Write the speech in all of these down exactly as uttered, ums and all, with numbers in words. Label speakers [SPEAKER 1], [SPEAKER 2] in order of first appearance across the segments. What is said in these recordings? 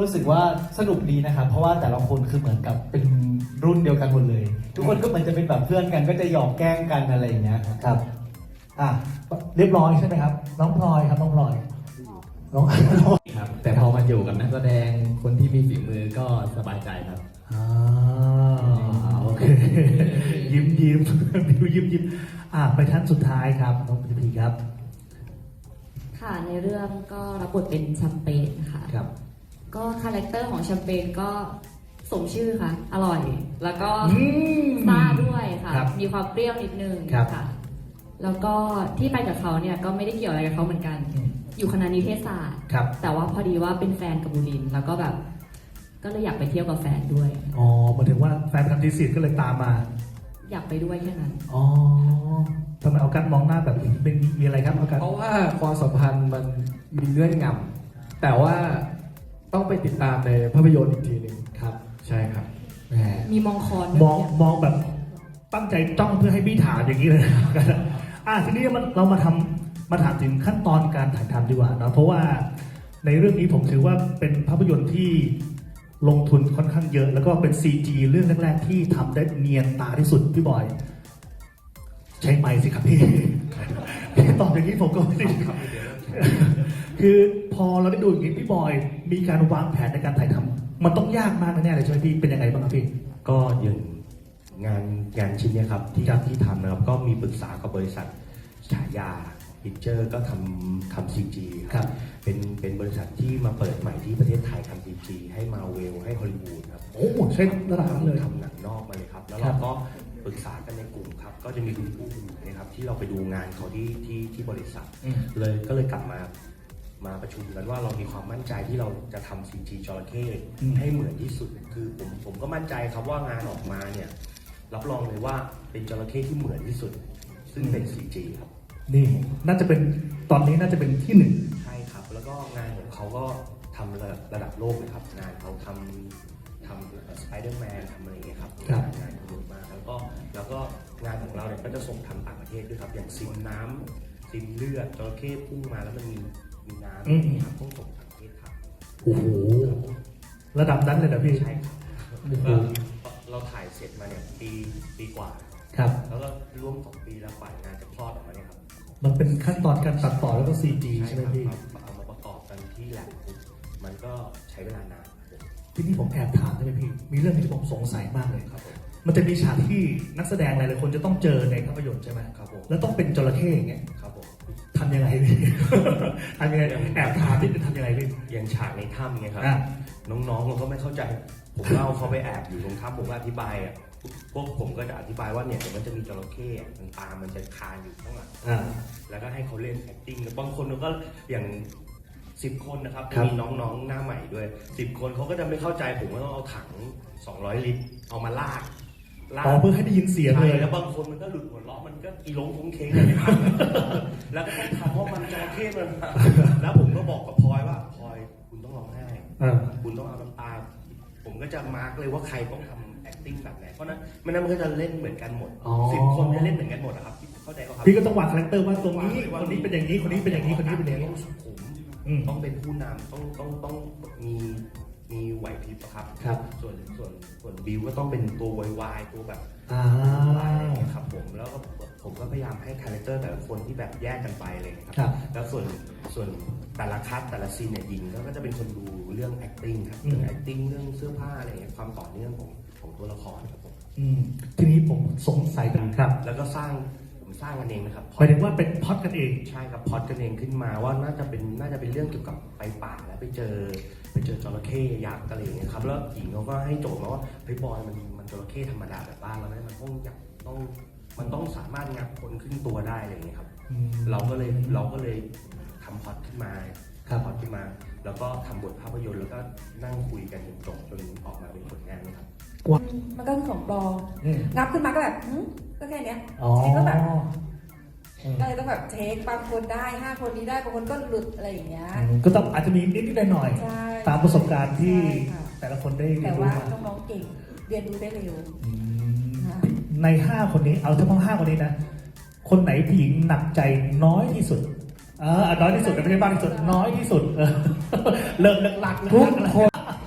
[SPEAKER 1] รู้สึกว่าสนุกดีนะครับเพราะว่าแต่ละคนคือเหมือนกับเป็นรุ่นเดียวกันหมดเลย ทุกคนก็เหมือนจะเป็นแบบเพื่อนกันก็จะหยอกแกล้งกันอะไรอย่างเงี้ยครับ
[SPEAKER 2] ครับอ่ะเรียบร้อยใช่ไหมครับ น้องพลอยครับน้องพลอยน้อง
[SPEAKER 3] ครับแต่พอมาอยู่กับนักแสดงคนที่มีฝีมือก็สบายใจครับ
[SPEAKER 2] อ่าโอเคยิ้มยิ้มดิวยิ้มยิ้มอ่ะไปท่านสุดท้ายครับน้องพีพีครับ
[SPEAKER 4] ค่ะในเรื่องก็รับบทเป็นแชมเปญค่ะ
[SPEAKER 2] ครับ
[SPEAKER 4] ก็คาแรคเตอร์ของแชมเปญก็สมชื่อค่ะ อร่อย แล้วก็
[SPEAKER 2] อืม
[SPEAKER 4] ซ่าด้วยค่ะ
[SPEAKER 2] ครับ
[SPEAKER 4] มีความเปรี้ยวนิดนึง
[SPEAKER 2] ครับ
[SPEAKER 4] ค่ะ แล้วก็ที่ไปกับเขาเนี่ยก็ไม่ได้เกี่ยวอะไรกับเขาเหมือนกัน
[SPEAKER 2] อืม
[SPEAKER 4] อยู่คณะนิเทศศาสตร์
[SPEAKER 2] ครับ
[SPEAKER 4] แต่ว่าพอดีว่าเป็นแฟนกับบุรินทร์แล้วก็แบบ ก็เลยอยากไปเที่ยวกับแฟนด้วย
[SPEAKER 2] อ๋อหมายถึงว่าแฟนทำทีสิทธ์ก็เลยตามมา
[SPEAKER 4] อยากไปด้วยแค่นั้น
[SPEAKER 2] อ๋อทำไมเอากันมองหน้าแบบนี้เป็นมีอะไรครับเอากัน
[SPEAKER 3] เพราะว่าความสัมพันธ์มันมีเงื่อนงำแต่ว่าต้องไปติดตามในภาพยนตร์อีกทีหนึ่งครับ ใช่ครับ
[SPEAKER 2] แหม
[SPEAKER 4] มีมองคอน
[SPEAKER 2] มองมองแบบตั้งใจจ้องเพื่อให้พี่ถามอย่างนี้เลยนะ อ่ะทีนี้มันเรามาทำมาถามถึงขั้นตอนการถ่ายทำดีกว่าเนอะเพราะว่าในเรื่องนี้ผมถือว่าเป็นภาพยนตร์ที่ลงทุนค่อนข้างเยอะ แล้วก็เป็น ซี จี เรื่องแรกๆที่ทำได้เนียนตาที่สุดพี่บอย ใช้ไมค์สิครับพี่ พี่ตอบอย่างนี้ผมก็ไม่ได้ คือพอเราได้ดูอย่างนี้พี่บอยมีการวางแผนในการถ่ายทำมันต้องยากมากแน่ๆเลยใช่ไหมพี่เป็นยังไงบ้างครับพี่
[SPEAKER 5] ก็อย่างงานงานชิ้นเนี้ยครับที่
[SPEAKER 2] ครับ
[SPEAKER 5] ที่ทำนะครับก็มีปรึกษากับบริษัทฉายาพิเจอร์ก็ทำทำซีจี
[SPEAKER 2] ครับ
[SPEAKER 5] เป็นเป็นบริษัทที่มาเปิดใหม่ที่ประเทศไทยทำซีจีให้มาเวลให้ฮอลลีวูดครับ
[SPEAKER 2] โอ้ใช่ระดับนั้นเลย
[SPEAKER 5] ทำหนังนอกมาเลยครับ แล้ว
[SPEAKER 2] ครั
[SPEAKER 5] เรา
[SPEAKER 2] บ
[SPEAKER 5] ก็ปรึกษากันในกลุ่มครับ ก็จะมีคุณผู้นะครับที่เราไปดูงานเขาที่ที่ที่บริษัท
[SPEAKER 2] อืม
[SPEAKER 5] เลยก็เลยกลับมามาประชุมกันว่าเรามีความมั่นใจที่เราจะทำซีจีจระเข้
[SPEAKER 2] อืม
[SPEAKER 5] ให้เหมือนที่สุด คือผมผมก็มั่นใจครับว่างานออกมาเนี่ยรับรองเลยว่าเป็นจระเข้ที่เหมือนที่สุด ซึ่งเป็น ซี จี ครับ
[SPEAKER 2] นี่น่าจะเป็นตอนนี้น่าจะเป็นที่หนึ่ง
[SPEAKER 5] ใช่ครับ แล้วก็งานของเขาก็ทำระดับระดับโลกเลยครับ งานเขาทำทำสไปเดอร์แมนทำอะไรอย่างเงี้ยครับ
[SPEAKER 2] ครับ
[SPEAKER 5] งานเขาเยอะมากแล้วก็แล้วก็งานของเราเนี่ยก็จะส่งทำต่างประเทศด้วยครับ อย่างซิมน้ำซิมเลือดจระเข้พุ่งมาแล้วมันมีมีน้ำนะครับต้องส่งต่างประเทศครับ
[SPEAKER 2] โอ้โหระดับนั้นเลยนะพี่
[SPEAKER 5] ใช่ครับ
[SPEAKER 2] โอ้โห
[SPEAKER 5] ก็เราถ่ายเสร็จมาเนี่ยปีปีกว่า
[SPEAKER 2] ครับ
[SPEAKER 5] แล้วก็ร่วมสองปีแล้วฝ่ายงานจะคลอดออกมาเนี่ยครับ
[SPEAKER 2] มันเป็นขั้นตอนการตัดต่อแล้วก็ ซี จี ใช่ไหม
[SPEAKER 5] ครับ
[SPEAKER 2] พี่
[SPEAKER 5] มาเอามาประกอบกันที่แลบมันก็ใช้เวลานานครับ
[SPEAKER 2] ทีนี้ผมแอบถามได้ไหมพี่ มีเรื่องที่ผมสงสัยมากเลย
[SPEAKER 5] ครับผม
[SPEAKER 2] มันจะมีฉากที่นักแสดงหลายๆคนจะต้องเจอในภาพยนตร์ใช่ไหม
[SPEAKER 5] ครับผม
[SPEAKER 2] แล้วต้องเป็นจระเข้อย่างเงี้ย
[SPEAKER 5] ครับผม
[SPEAKER 2] ทำยังไงพี่ ทำยังไงแอบถามที่จะทำยังไงพี่
[SPEAKER 5] อย่างฉากในถ้ำไงครับ
[SPEAKER 2] อ่ะ
[SPEAKER 5] น้องๆเราก็ไม่เข้าใจ ผมเล่าเขาไปแอบอยู่ตรงถ้ำผมก็อธิบายอ่ะพวกผมก็จะอธิบายว่าเนี่ยเดี๋ยวมันจะมีจระเข้อะมันตามมันจะคานอยู่ข้างหลัง
[SPEAKER 2] อ่า
[SPEAKER 5] แล้วก็ให้เขาเล่น acting แล้วบางคนก็อย่างสิบคนนะครับ
[SPEAKER 2] ครับ
[SPEAKER 5] มีน้องๆหน้าใหม่ด้วยสิบคนเขาก็จะไม่เข้าใจผมก็ต้องเอาถังสองร้อยลิตรเอามาลากลา
[SPEAKER 2] อ๋อก เพื่อให้ได้ยินเสียงเลย
[SPEAKER 5] ใช่แล้วบางคนมันก็หลุดหัวเราะมันก็อีหลงคงเคงเลยนะครับ แล้วก็ต้องทำเพราะมันจระเข้มันมาแล้วผมก็บอกกับพลอยว่าพลอยคุณต้องร้องไห้
[SPEAKER 2] อ่า
[SPEAKER 5] คุณต้องเอาน้ำตา ผมก็จะมาร์กเลยว่าใครต้องทำ acting แบบไหน เพราะนั้นไม่นั้นมันก็จะเล่นเหมือนกันหมด
[SPEAKER 2] อ๋อ
[SPEAKER 5] สิบคนจะเล่นเหมือนกันหมดนะครับเข้าใจป่ะครับ
[SPEAKER 2] พี่ก็ต้องวางคาแรคเตอร์ว่าตรงนี้คนนี้เป็นอย่างนี้คนนี้เป็นอย่างนี้คนนี้เป็นอย่างนี้
[SPEAKER 5] ต้องสุขุม
[SPEAKER 2] อืม
[SPEAKER 5] ต้องเป็นผู้นำต้องต้องต้องมีมีไหวพริบอะครับ
[SPEAKER 2] ครับ
[SPEAKER 5] ส่วนส่วนส่วนบิวก็ต้องเป็นตัววายๆตัวแบบ
[SPEAKER 2] อ่า
[SPEAKER 5] ครับผมแล้วก็ผมก็พยายามให้คาแรคเตอร์แต่ละคนที่แบบแยกกันไปเลยครั
[SPEAKER 2] ครับ
[SPEAKER 5] แล้วส่วนส่วนแต่ละคัดแต่ละซีนเนี่ยยิงก็จะเป็นคนดูเรื่อง acting ครับ
[SPEAKER 2] อืม
[SPEAKER 5] เรื่อง acting เรื่องเสื้อผ้าอะไรอย่างเงี้ยความต่อเนื่องของของตัวละครครับผม
[SPEAKER 2] อืมทีนี้ผมสงสัยกันครับ
[SPEAKER 5] แล้วก็สร้างผมสร้างกันเองนะครับ
[SPEAKER 2] หมายถึงว่าเป็นพล็อดกันเอง
[SPEAKER 5] ใช่ครับพล็อดกันเองขึ้นมาว่าน่าจะเป็นน่าจะเป็นเรื่องเกี่ยวกับไปป่าแล้วไปเจอไปเจอจระเข้ยักษ์อะไรอย่างเงี้ยครับแล้วหญิงเขาก็ให้โจทย์มาว่าเฮ้ยบอยมันมันจระเข้ธรรมดาแบบบ้านเราไม่ได้มันต้องอยากต้องมันต้องสามารถงับคนขึ้นตัวได้อะไรอย่างเงี้ยครับ
[SPEAKER 2] อืม
[SPEAKER 5] เราก็เลยเราก็เลยทำพล็อดขึ้นมา
[SPEAKER 2] ครับ
[SPEAKER 5] ทำพล็อดขึ้นมา แล้วก็ทำบทภาพยนตร์แล้วก็นั่งคุยกันจนจบจนออกมาเป็นผลงานนะครับ
[SPEAKER 6] มันก็คือของปลอม
[SPEAKER 2] อืม
[SPEAKER 6] งับขึ้นมาก็แบบหึก็แค่เนี้ย
[SPEAKER 2] อ๋อ
[SPEAKER 6] เช็คก็แบบ
[SPEAKER 2] อืม
[SPEAKER 6] ก็เลยต้องแบบเช็คบางคนได้ห้าคนนี้ได้บางคนก็หลุดอะไรอย่างเงี้ย
[SPEAKER 2] อืมก็ต้องอาจจะมีนิดๆหน่อย
[SPEAKER 6] ใช่
[SPEAKER 2] ๆตามประสบการณ์ที่
[SPEAKER 6] ใช่ค่ะ
[SPEAKER 2] แต่ละคนได้เรี
[SPEAKER 6] แต่
[SPEAKER 2] ยนรู้
[SPEAKER 6] ว่า
[SPEAKER 2] มา
[SPEAKER 6] น้องๆเก่งเรียนรู้ได้เร็ว
[SPEAKER 2] อืม
[SPEAKER 6] ค่ะ
[SPEAKER 2] ในห้าคนนี้เอาเฉพาะห้าคนนี้นะ คนไหนผู้หญิงหนักใจน้อยที่สุดเออน้อยที่สุดแต่ไม่ใช่บ้างที่สุดน้อยที่สุดเออเลิกเลิกหลัก
[SPEAKER 3] ทุก
[SPEAKER 2] เลิกหลัก
[SPEAKER 3] คน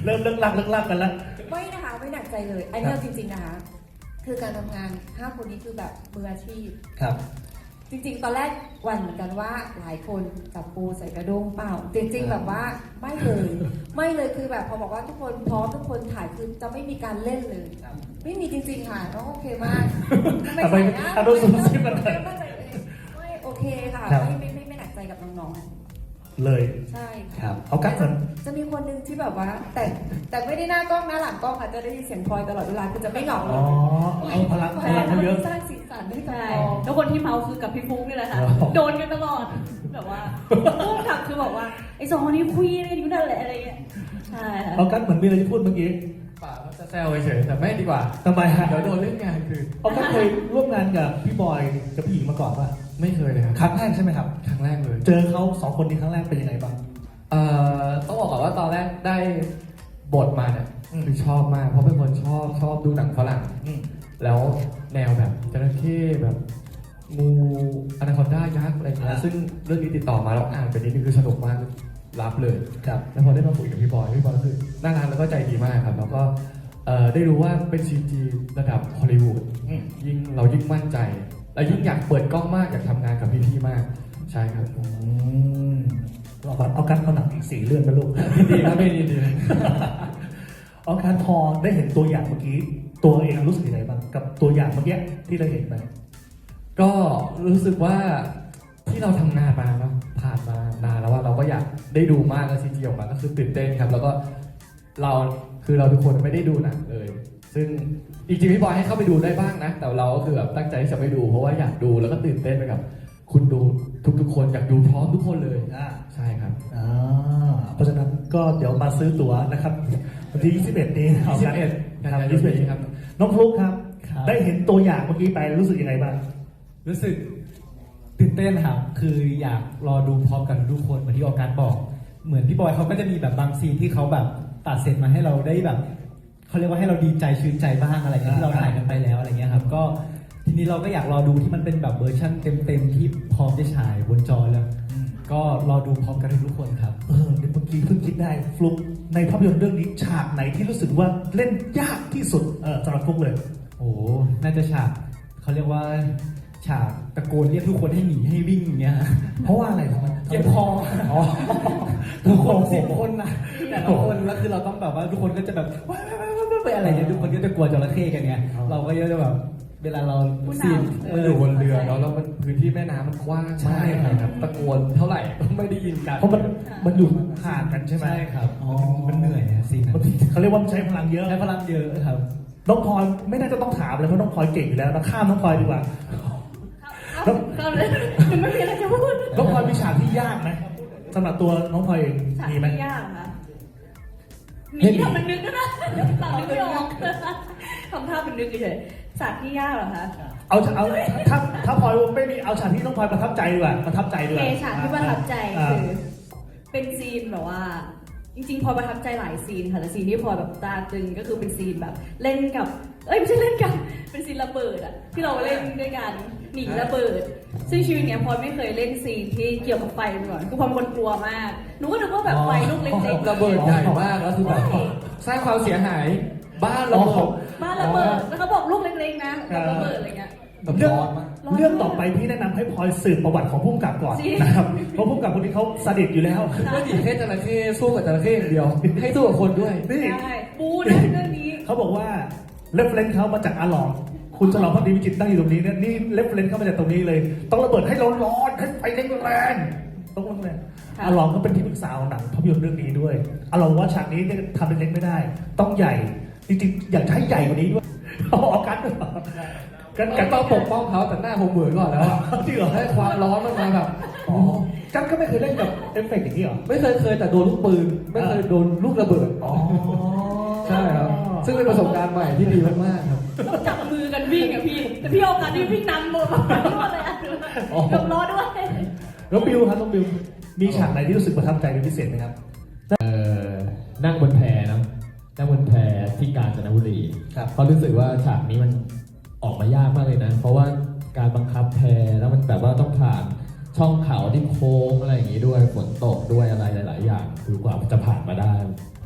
[SPEAKER 2] เริ่มเลิกลักเลิกลักกันแล้ว
[SPEAKER 6] ไม่นะคะไม่หนักใจเลย อันนี้เอาจริงๆนะคะ คือการทำงานห้าคนนี้คือแบบมืออาชีพ
[SPEAKER 1] ครับ
[SPEAKER 6] จริงๆ ตอนแรกหวันเหมือนกันว่าหลายคนจับปูใส่กระด้งเปล่า จริงๆ แบบว่าไม่เลย ไม่เลยคือแบบพอบอกว่าทุกคนพร้อมทุกคนถ่ายคือจะไม่มีการเล่นเลย ไม่มีจริงๆ ค่ะน้องโอเคมาก
[SPEAKER 2] ทำไมอ่ะดูซูมซิมันหน่อย
[SPEAKER 6] ไม่โอเคค่ะ
[SPEAKER 2] ครับ
[SPEAKER 6] ไม่ไม่ไม่ไม่หนักใจกับน้อง
[SPEAKER 2] เลย
[SPEAKER 6] ๆ ใช่
[SPEAKER 2] ครับเอากั๊กก่อน
[SPEAKER 6] จะมีคนหนึ่งที่แบบว่า แต่แต่ไม่ได้หน้ากล้องหน้าหลังกล้องค่ะจะได้ยินเสียงพลอยตลอดเวลาคือจะไม่เหงาเล
[SPEAKER 2] อ๋
[SPEAKER 6] ย
[SPEAKER 2] อเอาพลังพลังเขาเยอะ
[SPEAKER 6] สร้างสีสันให้กับ
[SPEAKER 4] ใช่
[SPEAKER 6] กอง
[SPEAKER 4] แล้วคนที่เมาคือกับพี่ฟุ๊กนี่แหละค่ะ
[SPEAKER 2] อ๋อ
[SPEAKER 4] โดนกันตลอด แบบว่าพุ่งขับคือบอกว่าไอ้สองคนนี้คุยกันอยู่นั่นแหละอะไรเงี้ย ใช่ค่ะ
[SPEAKER 2] เอากั๊กเหมือนมีอะไรจะพูดเมื่อกี้
[SPEAKER 3] ป่าจะแซวเฉยๆแต่ไม่ดีกว่า
[SPEAKER 2] ทำไมฮะ
[SPEAKER 3] เดี๋ยวโดนเล่นงานคือ
[SPEAKER 2] เอากั๊กเคยร่วมงานกับพี่บอยกับพี่หญิงมาก่อนป่ะ
[SPEAKER 3] ไม่เคยเลยครับ
[SPEAKER 2] ครั้งแรกใช่ไหมครับ
[SPEAKER 3] ครั้งแรกเลย
[SPEAKER 2] เจอเขาสองคนนี้ครั้งแรกเป็นยังไงบ้าง
[SPEAKER 3] เอ่อต้องบอกก่อนว่าตอนแรกได้บทมาเนี่ย
[SPEAKER 2] อืม
[SPEAKER 3] คือชอบมากเพราะเป็นคนชอบชอบดูหนังฝรั่ง
[SPEAKER 2] อืม
[SPEAKER 3] แล้วแนวแบบจระเข้แบบงูอนาคอนด้ายักษ์อะไรอย่างเงี้ยซึ่งเรื่องนี้ติดต่อมาแล้วอ่านไปนิดนึงคือสนุกมากรับเลย
[SPEAKER 2] ครับ
[SPEAKER 3] แล้วพอได้มาคุยกับพี่บอยพี่บอยก็คือน่ารักแล้วก็ใจดีมากครับ แล้วก็เอ่อได้รู้ว่าเป็น ซี จี ระดับฮอลลีวูด
[SPEAKER 2] อืม
[SPEAKER 3] ยิ่งเรายิ่งมั่นใจและยิ่งอยากเปิดกล้องมากอยากทำงานกับพี่ๆมากใช่ครับ
[SPEAKER 2] อืมเอาก่อนเอากั๊กเอาหนังอีกสี่เรื่องนะลูก
[SPEAKER 3] ดีครับไม่ดีดี
[SPEAKER 2] เอาการพอได้เห็นตัวอย่างเมื่อกี้ ตัวเองรู้สึกยังไงบ้างกับตัวอย่างเมื่อกี้ที่เราเห็นไป
[SPEAKER 3] ก็รู้สึกว่าที่เราทำงานมาแล้วผ่านมานานแล้วว่าเราก็อยากได้ดูมากแล้วซีจีออกมาก็คือตื่นเต้นครับ แล้วก็เราคือเราทุกคนไม่ได้ดูหนังเลย ซึ่งจริงๆพี่บอยให้เข้าไปดูได้บ้างนะ แต่เราก็คือแบบตั้งใจที่จะไปดู เพราะว่าอยากดูแล้วก็ตื่นเต้นไปกับ คุณดูทุกๆคนอยากดูพร้อมทุกคนเลย
[SPEAKER 2] อ่า
[SPEAKER 3] ใช่ครับ
[SPEAKER 2] อ่าเพราะฉะนั้นก็เดี๋ยวมาซื้อตั๋วนะครับวันที่ยี่สิบเอ็ดนี้เอากัน
[SPEAKER 3] ยี่สิบเอ็ด
[SPEAKER 2] ครับยี่สิบเอ็ด
[SPEAKER 3] ครับ
[SPEAKER 2] น้องฟลุ๊กครับ
[SPEAKER 1] ครับ
[SPEAKER 2] ได้เห็นตัวอย่างเมื่อกี้ไปรู้สึกยังไงบ้าง
[SPEAKER 1] รู้สึกตื่นเต้นครับคืออยากรอดูพร้อมกันทุกคนเหมือนที่ออกัสบอก เหมือนพี่บอยเขาก็จะมีแบบบางซีนที่เขาแบบตัดเสร็จมาให้เราได้แบบเขาเรียกว่าให้เราดีใจชื่นใจบ้างอะไรเงี้ยที่เราถ่ายกันไปแล้วอะไรเงี้ยครับก็ทีนี้เราก็อยากรอดูที่มันเป็นแบบเวอร์ชั่นเต็มๆที่พร้อมจะฉายบนจอแล้ว
[SPEAKER 2] อืม
[SPEAKER 1] ก็รอดูพร้อมกันทุกคนครับ
[SPEAKER 2] เออเดี๋ยวเมื่อกี้เพิ่งคิดได้ฟลุ๊กในภาพยนตร์เรื่องนี้ฉากไหนที่รู้สึกว่าเล่นยากที่สุดเออสำหรับฟลุ๊กเลย
[SPEAKER 1] โอ้น่าจะฉากเขาเรียกว่าฉากตะโกนเรียกทุกคนให้หนีให้วิ่งอย่างเงี้ย
[SPEAKER 2] เพราะว่าอะไรทำไม
[SPEAKER 1] เจ็บคอ
[SPEAKER 2] อ๋อ
[SPEAKER 1] ทุกคนสิบคนนะแต่ละคนแล้วคือเราต้องแบบว่าทุกคนก็จะแบบว้าวๆๆๆไปอะไรเงี้ยทุกคนก็จะกลัวจระเข้กันไงเราก็จะแบบเวลาเราซีน
[SPEAKER 3] มันอยู่บนเรือเนาะแล้วมันพื้นที่แม่น้ำมันกว้าง
[SPEAKER 1] ใช่
[SPEAKER 3] มาก
[SPEAKER 1] ครับ
[SPEAKER 3] ตะโกนเท่าไหร่ก็ไม่ได้ยินกัน
[SPEAKER 2] เพราะมันมันอยู่ห่างกันใช่ไหม
[SPEAKER 1] ใช่ครับอ๋อมันเหนื่อยอะซีนนั้
[SPEAKER 2] มัน
[SPEAKER 1] น
[SPEAKER 2] เขาเรียกว่ามันใช้พลังเยอะ
[SPEAKER 1] ใช้พลังเยอะครับ
[SPEAKER 2] น้องพลอยไม่น่าจะต้องถามเลยเพราะน้องพลอยเก่งอยู่แล้วนะข้ามน้องพลอยดีกว่า
[SPEAKER 4] เข้าเข้าเลยยังไม่มีอะไรจะพูด
[SPEAKER 2] น้องพลอยมีฉากที่ยากไหมสำหรับตัวน้องพลอยเอง
[SPEAKER 4] ฉาก
[SPEAKER 2] มีไหม
[SPEAKER 4] ที่ยากค่ะหนีทำเป็นนึกก็ได้ตามนึกไม่ออกทำท่าเป็นนึกเฉยๆฉากที่ยากเหรอคะ
[SPEAKER 2] เอาเอาถ้าถ้าพลอยไม่มีเอาฉากที่น้องพลอยประทับใจดีกว่าประทับใจดีก
[SPEAKER 4] เอ
[SPEAKER 2] ว่า
[SPEAKER 4] ฉากที่ประทับใจ
[SPEAKER 2] า
[SPEAKER 4] คือ เป็นซีนแบบว่า จริงๆพลอยประทับใจหลายซีนค่ะแต่ซีนที่พลอยแบบตาตึงก็คือเป็นซีนแบบ เล่นกับ เอ้ยไม่ใช่เล่นกับ เป็นซีนระเบิดอะที่เราเล่นด้วยกันหนีระเบิด ซึ่งชีวิตเนี้ยพลอยไม่เคยเล่นซีนที่เกี่ยวกับไฟมาก่อนคือพลอยเป็นคนกลัวมากหนูก็นึกว่าแบบไฟลูกเล็กๆ
[SPEAKER 3] ระเบิดใหญ่มากแล้วคือแบบสร้างความเสียหายบ้านระเบิด
[SPEAKER 4] บ้านระเบิดแล้วเขาบอกลูกเล็กๆนะแบบระเบิดอะไรเงี้ย
[SPEAKER 3] แบบ
[SPEAKER 2] เรื่อง
[SPEAKER 3] ร้อนมาก
[SPEAKER 2] เรื่องต่อไปพี่แนะนำให้พลอยสืบประวัติของผู้กำกับก่อน
[SPEAKER 4] จริง
[SPEAKER 2] นะครับเพราะผู้กำกับคนนี้เขาสดิตอยู่แล้ว
[SPEAKER 3] ไม่ดีแค่จระเข้สู้กับจระเข้อย่างเดียว ให้สู้กับคนด้วย
[SPEAKER 2] นี่
[SPEAKER 4] ใช่บูนะเรื่องนี้
[SPEAKER 2] เขาบอกว่าเรฟเลนเขามาจากอาหลองคุณฉลองพักดีวิจิตรนั่งอยู่ตรงนี้เนี่ยนี่เรฟเลนเข้ามาจากตรงนี้เลย ต้องระเบิดให้ร้อนๆให้ไฟแรงๆต้องแรง
[SPEAKER 4] ค่ะ
[SPEAKER 2] อาหลองก็เป็นที่ปรึกษาของหนังภาพยนตร์เรื่องนี้ด้วยอาหลองว่าฉากนี้เนี่ยทำเล็กๆไม่ได้ ต้องใหญ่จริงๆอยากจะให้ใหญ่กว่านี้ด้วยเอาออกกันด้วยกัน
[SPEAKER 3] กั
[SPEAKER 2] กัน น
[SPEAKER 3] ต้
[SPEAKER 2] ต้
[SPEAKER 3] อ
[SPEAKER 2] อง ง
[SPEAKER 3] ป
[SPEAKER 2] ป
[SPEAKER 3] ก
[SPEAKER 2] ก
[SPEAKER 3] ป้องเขาแต่หน้าผมเหมือนก่อนแล้วอะ
[SPEAKER 2] จริงเหรอ
[SPEAKER 3] ให้ความร้อนมันมาแบบ
[SPEAKER 2] อ๋อกันก็ไม่เคยเล่นกับเอฟเฟกต์อย่างนี้เหรอ
[SPEAKER 3] ไม่เคยเคยแต่โดนลูกปืน ไม่เคยโดนลูกระเบิด
[SPEAKER 2] อ๋อ
[SPEAKER 3] ใช่ครับ ซึ่งเป็นประสบการณ์ใหม่ที่ดีมากๆครับ
[SPEAKER 4] ต้องจับมือกันวิ่งอะพี่ แต่พี่โอกาสที่วิ่งนำหมดเลยอะกับล้อด้วย
[SPEAKER 2] แล้วบิวครับน้องบิวมีฉากไหนที่รู้สึกประทับใจเป็นพิเศษไหมครับ
[SPEAKER 7] เอ่อนั่งบนแพเนอะนั่งบนแพที่กาญจนบุรี
[SPEAKER 2] ครับ
[SPEAKER 7] เพราะรู้สึกว่าฉากนี้มันออกมายากมากเลยนะ เพราะว่าการบังคับแพแล้วมันแบบว่าต้องผ่านช่องเขาที่โค้งอะไรอย่างนี้ด้วยฝนตกด้วยอะไรหลาย ๆ อย่างคือกว่าจะผ่านมาได้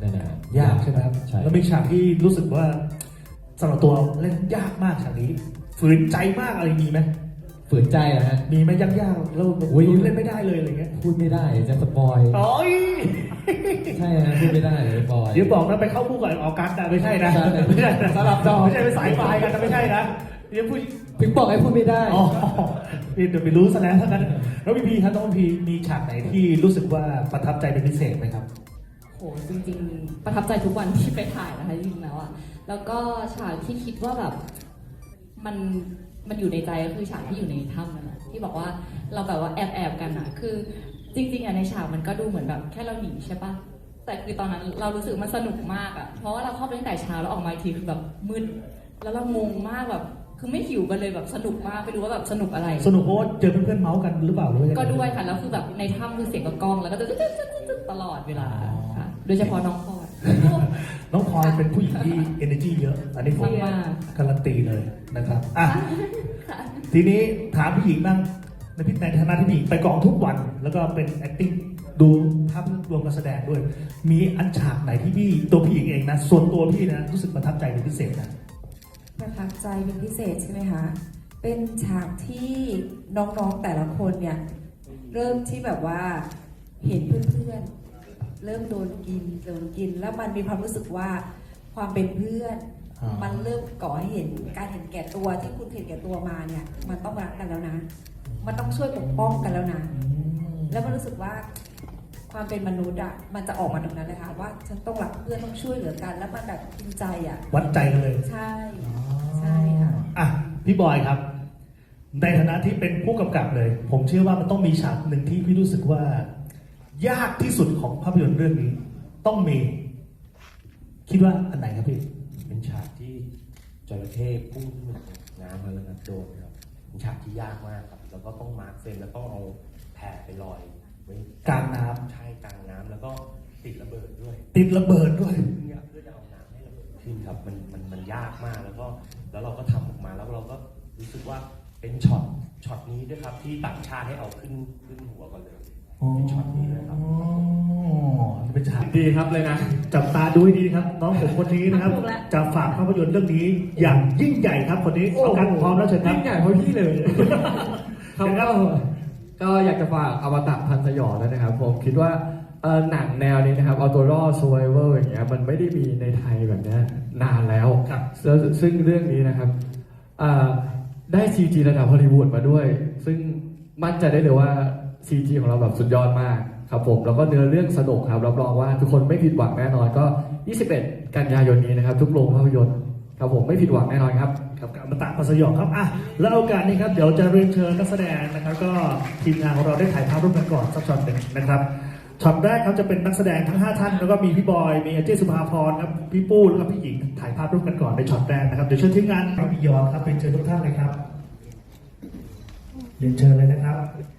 [SPEAKER 7] นั่นนะฮะ
[SPEAKER 2] ยากใช่ไหมครับ
[SPEAKER 7] ใช่
[SPEAKER 2] แล้วมีฉากที่รู้สึกว่าสำหรับตัวเล่นยากมากฉากนี้ฝืนใจมากอะไรมีไหม
[SPEAKER 7] ฝืนใจนะฮะ
[SPEAKER 2] มีไหมยากๆแล้ว
[SPEAKER 7] อุ๊ย
[SPEAKER 2] เล่นไม่ได้เลยอะไรเงี้ย
[SPEAKER 7] พูดไม่ได้จะสปอย
[SPEAKER 2] โอ้ย
[SPEAKER 7] ใช่ฮะพูดไม่ได้เลยบอย
[SPEAKER 2] เดี๋ยวบอกนะไปเข้าคู่กับออกัสนะไม่ใช่นะ
[SPEAKER 7] ใช่
[SPEAKER 2] ไม่ใช่นะ
[SPEAKER 7] สลับจอ
[SPEAKER 2] ไม่ใช่ไปสายไฟกันนะไม่ใช่นะเดี๋ยวพูด
[SPEAKER 7] ถึงบอกให้พูดไม่ได้
[SPEAKER 2] อ๋อเดี๋ยวไปรู้ซะแล้วทั้งนั้นแล้วพี่พีครับน้องพีมีฉากไหนที่รู้สึกว่าประทับใจเป็นพิเศษไหมครับ
[SPEAKER 4] โหจริงๆ ประทับใจทุกวันที่ไปถ่ายนะคะจริงๆแล้วอะแล้วก็ฉากที่คิดว่าแบบมันมันอยู่ในใจก็คือฉากที่อยู่ในถ้ำนั่นแหละที่บอกว่าเราแบบว่าแอบแอบๆกันอะคือจริงๆอะในฉากมันก็ดูเหมือนแบบแค่เราหนีใช่ปะแต่คือตอนนั้นเรารู้สึกมันสนุกมากอะเพราะว่าเราเข้าไปตั้งแต่เช้าแล้วออกมาอีกทีคือแบบมืดแล้วเรางงมากแบบคือไม่หิวกันเลยแบบสนุกมากไปดูว่าแบบสนุกอะไร
[SPEAKER 2] สนุกเพราะว่าเจอเพื่อนๆเมาส์กันหรือเปล่าหรือว่ายังไง
[SPEAKER 4] ก็ด้วยค่ะแล้วคือแบบในถ้ำคือเสียงกระก้องแล้วก็จะตลอดเวลาค่ะโดยเฉพาะน้องพลอย
[SPEAKER 2] น้องพลอยเป็นผู้หญิงที่ energy เยอะ อันนี้ผม
[SPEAKER 4] มาก
[SPEAKER 2] การันตีเลยนะครับอ่ะทีนี้ถามผู้หญิงบ้างในพิในฐานะที่ผู้หญิงไปกองทุกวัน แล้วก็เป็น acting ดูภาพรวมการแสดงด้วย มีอันฉากไหนที่พี่ตัวพี่หญิงเองนะ ส่วนตัวพี่นะรู้สึกประทับใจเป็นพิเศษนะ
[SPEAKER 6] ประทับใจเป็นพิเศษใช่ไหมคะ เป็นฉากที่น้องๆแต่ละคนเนี่ย เริ่มที่แบบว่าเห็นเพื่อนๆ เริ่มโดนกินโดนกิน แล้วมันมีความรู้สึกว่าความเป็นเพื่อน
[SPEAKER 2] อ่ามั
[SPEAKER 6] มันเริ่มก่อให้เห็นการเห็นแก่ตัวที่คุณเห็นแก่ตัวมาเนี่ย มันต้องรักกันแล้วนะ มันต้องช่วยปกป้องกันแล้วนะ แล้วมันรู้สึกว่าความเป็นมนุษย์อ่ะมันจะออกมาตรงนั้นเลยค่ะว่าฉันต้องรักเพื่อนต้องช่วยเหลือกัน แล้วมันแบบจริงใจอ่ะ
[SPEAKER 2] วัดใจกันเลย
[SPEAKER 6] ใช่ ใช่ค่ะ
[SPEAKER 2] อ่ะพี่บอยครับ ในฐานะที่เป็นผู้กำกับเลย ผมเชื่อว่ามันต้องมีฉากหนึ่งที่พี่รู้สึกว่า ยากที่สุดของภาพยนตร์เรื่องนี้ ต้องมี คิดว่าอันไหนครับพี่
[SPEAKER 5] เป็นฉากที่จระเข้พุ่งขึ้นมาจากน้ำมาแล้วนะโดนครับเป็นฉากที่ยากมากครับ แล้วก็ต้องมาร์คเฟรมแล้วต้องเอาแผ่ไปลอยไว้
[SPEAKER 2] กลางน้ำ
[SPEAKER 5] ใช่กลางน้ำแล้วก็ติดระเบิดด้วย
[SPEAKER 2] ติดระเบิดด้วย
[SPEAKER 5] เพื่อเพื่อจะเอาน้ำให้ระเบิดขึ้นครับมันมันมันยากมากแล้วก็แล้วเราก็ทำออกมาแล้วเราก็รู้สึกว่าเป็นช็อตช็อตนี้ด้วยครับที่ต่างชาติให้เอาขึ้นขึ้นหัวก่อนเลยเป็นช็อตนี้เลยครับ
[SPEAKER 2] อ๋อนี่เป็นฉาก
[SPEAKER 7] ดีครับเลยนะ
[SPEAKER 2] จับตาดูให้ดีนะครับ น้องผมคนนี้นะครับ
[SPEAKER 4] ถูกแล้ว
[SPEAKER 2] จะฝากภาพยนตร์เรื่องนี้ อย่างยิ่งใหญ่ครับคนนี้เอากันพร้อมแล้วเชิญครับ
[SPEAKER 7] ยิ่งใหญ่เพราะพี่เลย ครับ
[SPEAKER 2] เชิญครั
[SPEAKER 7] ก็
[SPEAKER 2] บ
[SPEAKER 3] ก็อยากจะฝากอมตะพันธ์สยองแล้วนะครับผมคิดว่าเอ่อหนังแนวนี้นะครับเอาตัวรอด survival อย่างเงี้ยมันไม่ได้มีในไทยแบบเนี้ยนานแล้ว
[SPEAKER 2] ครับ
[SPEAKER 3] แล้วซึ่งเรื่องนี้นะครับอ่าได้ ซี จี ระดับฮอลลีวูดมาด้วย ซึ่งมั่นใจได้เลยว่า ซี จี ของเราแบบสุดยอดมากครับผมแล้วก็เนื้อเรื่องสนุกครับรับรองว่าทุกคนไม่ผิดหวังแน่นอนก็ ยี่สิบเอ็ด กันยายนนี้นะครับ ทุกโรงภาพยนตร์ครับผมไม่ผิดหวังแน่นอนครับ
[SPEAKER 2] ครับกับอมตะพันธ์สยองครับอ่ะแล้วโอกาสนี้ครับเดี๋ยวจะเรียนเชิญนักแสดงนะครับ ก็ทีมงานของเราได้ถ่ายภาพร่วมกันก่อนสักช็อตหนึ่งนะครับช็อตแรกครับจะเป็นนักแสดงทั้งห้าท่านแล้วก็มีพี่บอยมีอาเจสุภาพรครับพี่ปู้แล้วก็พี่หญิงถ่ายภาพร่วมกันก่อนในช็อตแรกนะครับเดี๋ยวเชิญทีมงานครับพี่ยอนครับเป็นเชิญทุกท่านเลยครับเรียนเชิญเลยนะครับ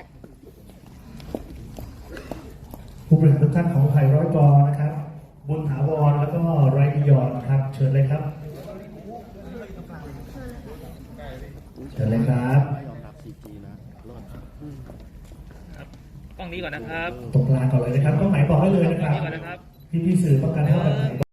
[SPEAKER 2] ผู้บริหารทุกท่านของไทยร้อยกอนะครับบุญถาวรแล้วก็ไรบิยอนครับเชิญเลยครับเชิญเลยครับ
[SPEAKER 8] กล้องนี้ก่อนนะครับ
[SPEAKER 2] ตรงกลางก่อนเลยนะครับต้องไหนบอกให้เลยนะครับ
[SPEAKER 8] กล้องนี้ก่อนนะครับ
[SPEAKER 2] พี่พี่ๆสื่อต้องการให้เราแบบไหน